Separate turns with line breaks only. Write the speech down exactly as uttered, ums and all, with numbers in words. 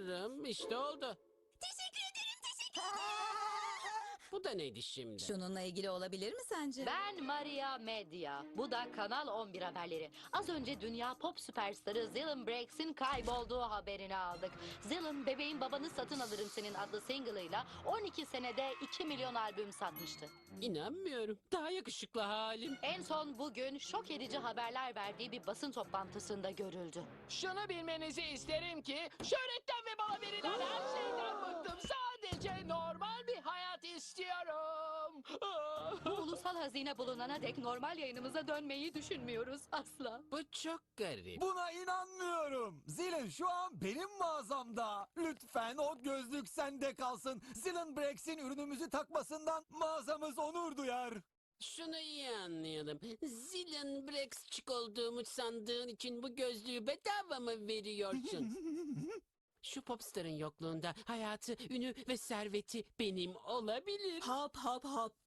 Tanrım, işte oldu.
Teşekkür ederim, teşekkür ederim.
Bu da neydi şimdi?
Şununla ilgili olabilir mi sence?
Ben Maria Medya. Bu da Kanal on bir haberleri. Az önce dünya pop süperstarı Zillin Brakes'in kaybolduğu haberini aldık. Zillin, Bebeğin Babanı Satın Alırım Senin adlı single'ıyla on iki senede iki milyon albüm satmıştı.
İnanmıyorum. Daha yakışıklı halim.
En son bugün şok edici haberler verdiği bir basın toplantısında görüldü.
Şunu bilmenizi isterim ki şöhretten ve bana verilen her şeyden bıktım. Sadece normal bir hayat istiyorum.
Bu ulusal hazine bulunana dek normal yayınımıza dönmeyi düşünmüyoruz asla.
Bu çok garip.
Buna inanmıyorum. Zilin şu an benim mağazamda. Lütfen o gözlük sende kalsın. Zilin Brakes'in ürünümüzü takmasından mağazamız onur duyar.
Şunu iyi anlayalım. Zillion Brexçik olduğumu sandığın için bu gözlüğü bedava mı veriyorsun? Şu popstarın yokluğunda hayatı, ünü ve serveti benim olabilir.
Hop hop hop.